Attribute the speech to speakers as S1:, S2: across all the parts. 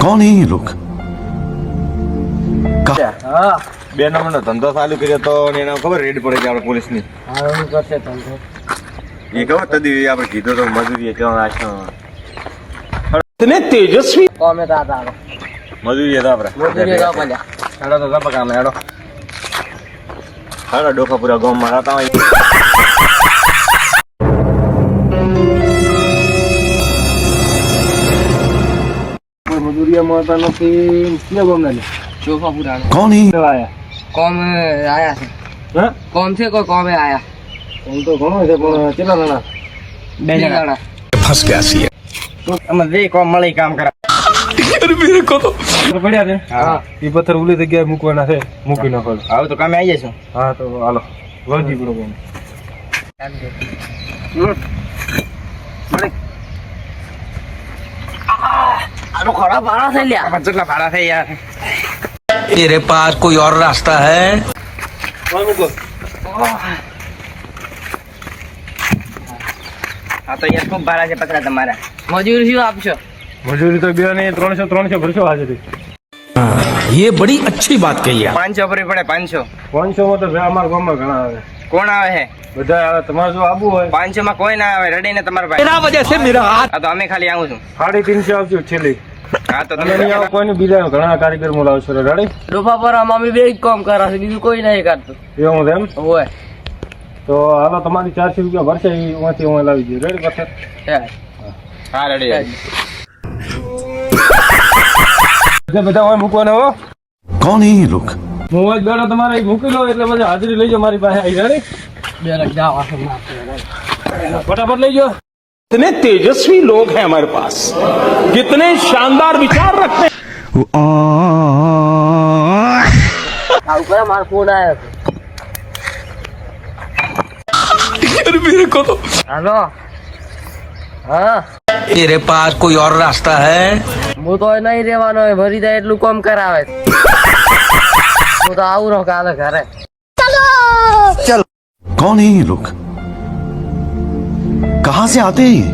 S1: कौन है ये लोग?
S2: હા 2 નંબરનો ધંધો ચાલુ કર્યો તો ને એના ખબર રેડ પડે છે આપણે પોલીસની.
S3: હા હું કરશે ધંધો.
S2: એ ખબર તદી આપણે કીધું તો મજૂરી કેવા આછો
S4: इतने तेजस्वी
S3: કોમે તો આતા
S2: મજૂરી તો આપણે
S3: મોદી જાવ પડ્યા.
S2: હેડો તો જપા કામ હેડો હેડો ડોખા પૂરા ગામમાં રહેતા હોય
S3: મજૂરિયામાં હતા નથી ક્યાં ગોમના લે ચોફા પુરાનો
S1: कौन है?
S3: આયા કોમ આયા છે
S2: હા
S3: કોમ છે કોઈ કોમે આયા
S2: કોમ તો ઘણો છે પણ કેટલા જણા
S3: 2 જણા
S1: फंस गया सी
S3: અમે બે કોમ મળી કામ કરા
S2: પડ્યા છે
S3: હા
S2: એ પથ્થર ઉલી જગ્યાએ મૂકવાના છે મૂકી નાખો
S3: હવે તો કામે આવી જશું
S2: હા તો હાલો વળગી પડો કોમ
S3: આનો ખરાબ ભાડા થઈ લ્યા કેટલા ભાડા થઈ યાર
S4: तेरे पास कोई और रास्ता है?
S3: હા તો યાર ખૂબ ભાડા છે પતરા તમારા મજૂરી શું આપશો
S2: મજૂરી તો બે ને 300 ભરશો હાજરી
S4: ये बड़ी अच्छी बात कही है
S3: 500 ભરવી પડે 500
S2: 500 માં તો અમારા ગામમાં ઘણા આવે
S3: કોણ આવે છે
S2: બધા આવે તમારે જો આબુ હોય
S3: 500 માં કોઈ ના આવે રડીને તમારા ભાઈ
S4: बिना वजह से मेरा हाथ
S3: હા તો અમે ખાલી આવું છું
S2: 350 આવજો છેલ્લી
S3: હા તો
S2: તમે નહીં આવો કોઈને બીજા ઘણા કારીગર મોલાવશો રેડી
S3: ડોફા પર મમ્મી બે જ કામ કરે છે બીજું કોઈ નહીં કરતું
S2: એવું છે એમ
S3: હોય
S2: તો હાલો તમારી 400 રૂપિયા ભરશે એમાંથી હું લાવી દઉં રેડી પથ્થર
S3: હા રેડી
S2: બધા હોય મૂકવાના હો
S1: कौन है ये लोग?
S2: હું જ બેઠો તમારે અહીં મૂકી લો એટલે પછી હાજરી લઈ જાઓ મારી પાસે આવી રેડી
S3: બે લગ જાવ
S2: ફટાફટ લઈ જાઓ
S4: इतने तेजस्वी लोग हैं हमारे पास कितने शानदार विचार रखते हैं
S3: આવું કરે મારો ફોન આવ્યો
S4: मेरे को तो
S3: હાલો હા
S4: तेरे पास कोई और रास्ता है?
S3: હું તો નહીં રહેવાનો હોય ભરી જાય એટલું કામ કરાવે હું તો આવું રહું કાલે ઘરે
S1: कौन है ये लोग? कहाँ से आते हैं ये?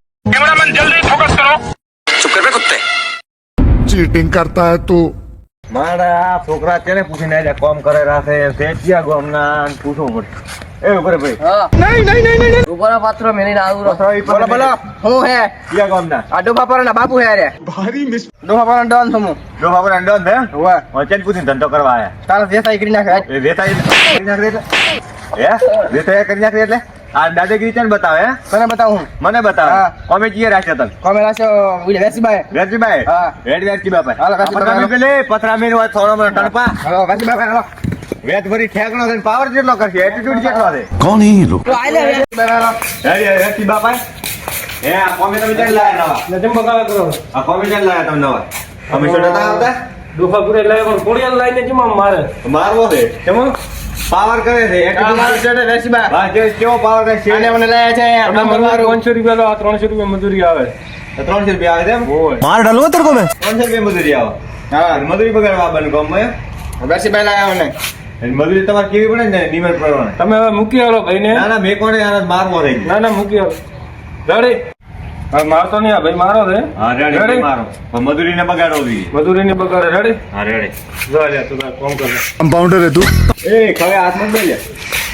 S5: चीटिंग करता है तू।
S2: મારા આ છોકરા તેને પૂછીને આજે કોમ કરે રાખે તે ક્યાં ગામના પૂછવું પડે એ ઉપર ભાઈ
S3: હા નહીં ઉપર પાત્રો મેલીને આવું રહું બોલો બોલો હું હે
S2: ક્યાં ગામના
S3: આ ડોફા પર ના બાપુ હે રે ડોફા પર ડોન છું હું
S2: જો ખબર અંડો ને
S3: હોવે
S2: વચન પૂછીને ધંધો કરવા આયા
S3: તારા દેસાઈ કરી નાખે
S2: એ વેતાઈ કરી નાખે એટલે હે વેતાઈ કરી નાખે એટલે આ દાદાગીરી ચાલ બતાવે હે
S3: તને બતાવું
S2: મને બતાવે
S3: હા.
S2: કોમે ચીએ રાખ્યા તને
S3: કોમે રાખ્યો ઓલે વેસીબાઈ
S2: વેરજીભાઈ
S3: હા.
S2: વેરજી બાપા
S3: હાલો, વેરજીભાઈ, હાલો.
S2: પેલે પથરા મેન વાત થોડો મને ટણપા
S3: હાલો વેસીબાઈ હાલો
S2: વેત ભરી ઠેકણો છે પાવર જેટલો કરશે એટીટ્યુડ જેટલો છે
S1: कौन है ये लोग?
S3: તો આલે વેસીબાઈ હાલો
S2: વેરજી બાપા હે આ કોમે તમે ચાલ લાયા નવા
S3: નજમ બગાવા કરો
S2: આ કોમે ચાલ લાયા તમે નવા અમે છોડતા આવતા
S3: ડોફાપુરે લાવ્યો પણ કોડિયાલ લાઈને જીમાં મારે
S2: મારવો છે કેમ પાવર કરે છે એટીટ્યુડ
S3: વેસીબાઈ
S2: હા જે કેવો પાવર કરે છે
S3: આને મને લાયા છે નંબર મારો
S2: 500 રૂપિયા લો 300 રૂપિયા મજૂરી આવે 300 રૂપિયા આવે છે એમ
S1: मार डालूंगा तेरे को मैं।
S2: 300 રૂપિયા મજૂરી આવે
S3: હા
S2: મજૂરી બગાડવા બન ગામમાં
S3: વેસીબાઈ લાયા મને
S2: મજૂરી તમારે કેવી પડે ને નિમર પ્રમાણે
S6: તમે હવે મૂકી આવો ભાઈને.
S2: ના ના મેં કોને આને મારવો થઈ ગયો
S6: ના ના મૂકી આવો. રેડી? હવે મારતો નહીં, આ ભાઈ મારો છે.
S2: હા રેડી મારો પણ મજૂરીને બગાડવો જોઈએ
S6: મજૂરીની બગાડે. રેડી?
S2: હા રેડી
S6: જો લે તું તાર કામ કર.
S5: कंपाउंडर है तू।
S2: એ ખવે હાથમાં જ લઈ લે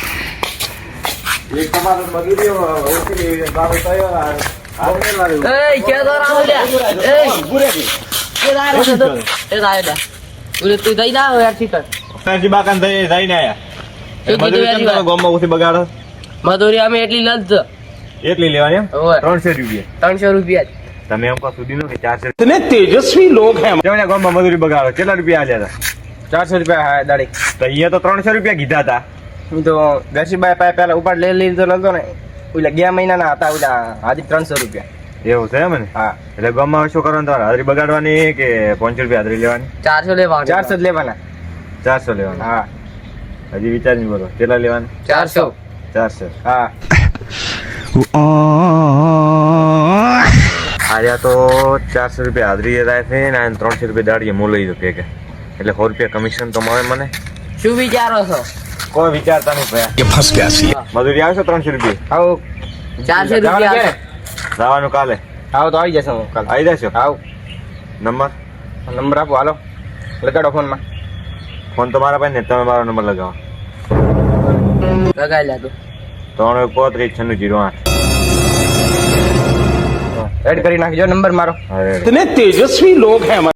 S2: એક તમારો મજૂરી ઓછી બાબો થયો હાથને માર્યું
S3: એ કે તો રાવ લે એ કે દાય રે તો એ દાય દા ઉરે તું દઈ દા યાર ઠીક
S2: સરજી બાકાન થઈ જઈને આયા
S3: શું કીધું
S2: મજૂરી
S3: યાર?
S2: તમે ગામમાં ઓછી બગાડો
S3: મધુરી અમે એટલી લજ
S2: એટલી લેવાની એમ
S3: ઓય
S2: 300 રૂપિયા
S3: 300 રૂપિયા જ.
S2: તમે એમ કહો સુધી નો કે 400
S4: इतने तेजस्वी लोग हैं
S2: કેવડા ગામમાં મજૂરી બગાડો કેટલા રૂપિયા આલ્યા હતા
S3: 400 રૂપિયા હા દાડી
S2: તો અહીંયા તો 300 રૂપિયા કીધા હતા
S3: હું તો ગસીબાઈ પાસે પેલા ઉપાડ લઈ લીધો લગતો ને ઓલા ગયા મહિનાના હતા ઓલા આજી 300 રૂપિયા
S2: એવું છે એમ ને
S3: હા
S2: એટલે ગામમાં શું કરવાનું તમારે હાજરી બગાડવાની કે 500 રૂપિયા હાજરી લેવાની
S3: 400 લેવા 400 જ લેવાના
S2: 400 લેવાના
S3: હા
S2: હજી વિચારીને બોલો કેટલા લેવાના
S3: 400
S2: 400
S3: હા
S2: આર્યા તો 400 રૂપિયા હાજરી થાય છે ને 300 રૂપિયા દાડીએ મોલઈ દો કે એટલે 100 રૂપિયા કમિશન તો મળે મને
S3: શું વિચારો છો
S2: કોઈ વિચારતા નહીં ભયા
S1: ये फंस गया सी
S2: મજૂરી આવશે 300 રૂપિયા
S3: આવો 400 રૂપિયા
S2: જવાનું કાલે
S3: આવો તો આવી જશે હું કાલ
S2: આવી જશો
S3: આવ
S2: નંબર
S7: નંબર આપો હાલો લગાડો ફોનમાં
S2: ફોન તો મારા પાસે ને તમે મારો નંબર લગાવો.
S3: લગાઈ લે તું
S2: 91359608.
S7: એડ કરી નાખજો નંબર મારો.
S2: અરે
S4: इतने तेजस्वी लोग हैं हमारे